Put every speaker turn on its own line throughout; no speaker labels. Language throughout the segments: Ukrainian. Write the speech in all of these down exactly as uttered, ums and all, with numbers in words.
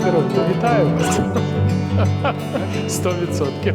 це роблю. Вітаю вас. Сто відсотків.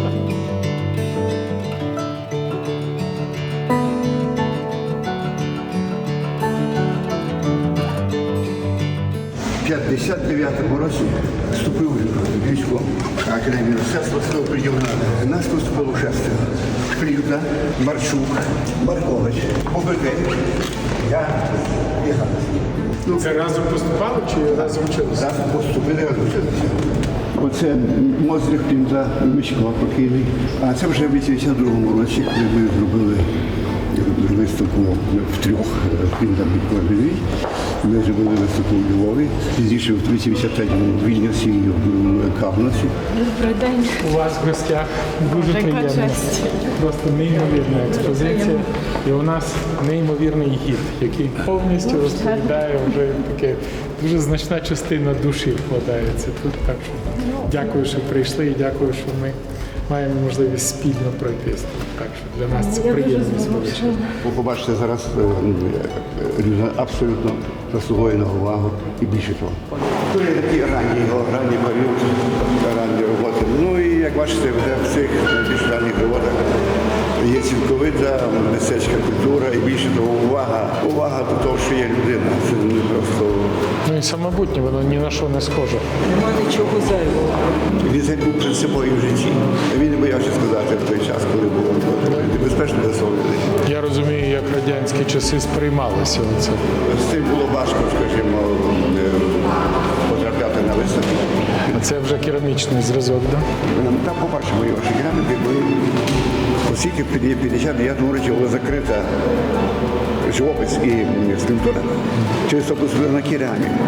В п'ятдесят дев'ятому році вступив в військо Академії мистецтва, став приділена. Нас поступило шестеро. Шклюта, Марчук, Маркович, Побеки. Я і Ганна. Ну,
Це разом поступали чи разом вчилися?
зараз поступили, разом вчилися. Оце Мозрих Пінза, Мишко покійний. А це вже в вісімдесят другому році, коли ми зробили виставку в трьох Пінза Бікорбівій. Ми зробили виставку у Львові, пізніше в вісімдесят третьому в Вільнюсі і в Кавнасі.
Добрий день.
У вас в гостях дуже приємно. Просто неймовірна експозиція. І у нас неймовірний гід, який повністю розповідає вже таке, дуже значна частина душі вкладається тут. Так що дякую, що прийшли, і дякую, що ми маємо можливість спільно пройтись. Так що для нас це приємність величезна.
Ви побачите зараз, людина абсолютно заслуговує на увагу і більше того. Дуже такі ранні його, ранні період, ранні роботи. Ну і як бачите, вже в цих більш ранніх роботах є цілковита мистецька культура і більше того увага. Увага до того, що є людина. Це не просто...
Ну і самобутнє, воно ні на що не схоже.
Нема нічого зайвого.
Він був принциповий в житті. Він не боявся сказати в той час, коли було небезпечно для свого людей.
Я розумію, як радянські часи сприймалися оце.
З цим було важко, скажімо, потрапляти на виставку.
А це вже керамічний зразок, так? Да?
Там побачимо його кераміки, бо оскільки в п'ятдесят дев'ятому році була закрита живопис і скульптура, через то посудили на кераміку.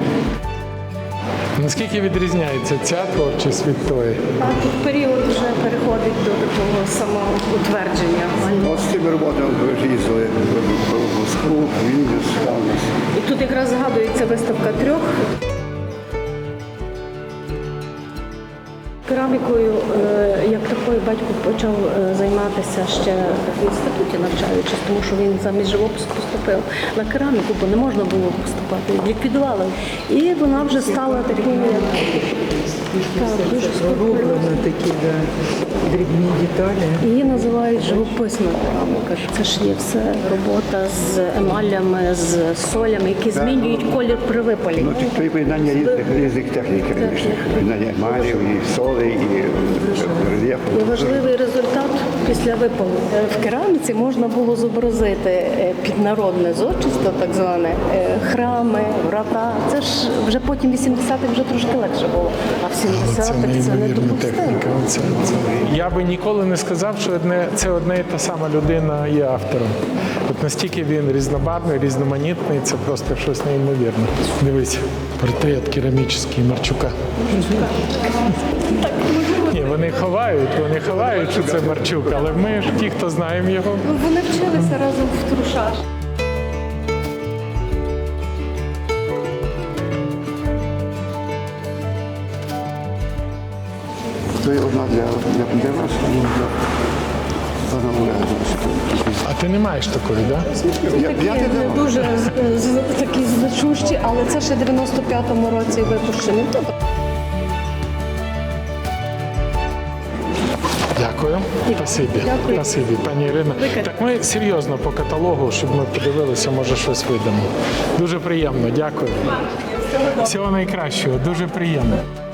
Наскільки відрізняється ця творчість від тої?
Тут період вже переходить до такого самоутвердження.
От з цими роботами ви їздили в Москву, Вільнюс, Кавнас.
І тут якраз згадується виставка трьох. Керамікою, як такою, батько почав займатися ще в інституті, навчаючись, тому що він замість живопису поступив на кераміку, бо не можна було поступати, ліквідували. І вона вже стала такою, як так, дуже
Розроблені такі, да, дрібні деталі.
її називають живописна кераміка. Це ж є все робота з емалями, з солями, які змінюють колір при випалі.
Ну, це поєднання різних, різних технік керамічних. Поєднання емалів, і соли, і рельєфу.
І важливий результат після випалу. В кераміці можна було зобразити піднародне зодчество, так зване, храми, врата. Це ж вже потім вісімдесятих вже трошки легше було, а в
Це
сімдесятих це не
неймовірна
допустимо.
техніка. Це, це. Я би ніколи не сказав, що одне, це одна і та сама людина є автором. От настільки він різнобарвний, різноманітний, це просто щось неймовірне. Дивись, портрет керамічний Марчука. Ні, вони ховають, вони ховають, що це Марчук, але ми ж ті, хто знаємо його.
Ну, вони вчилися разом в Трушаш.
Це одна для, для, для вас, і для пана Оля.
А ти не маєш такої, так? Да?
Такі не дуже з- з- такі значущі, але це ще в дев'яносто п'ятому році випущені. Тобто
Дякую. Спасибі.
Дякую.
Спасибі, пані Ірина. Так ми серйозно по каталогу, щоб ми подивилися, може щось видамо. Дуже приємно, дякую. Всього найкращого, дуже приємно.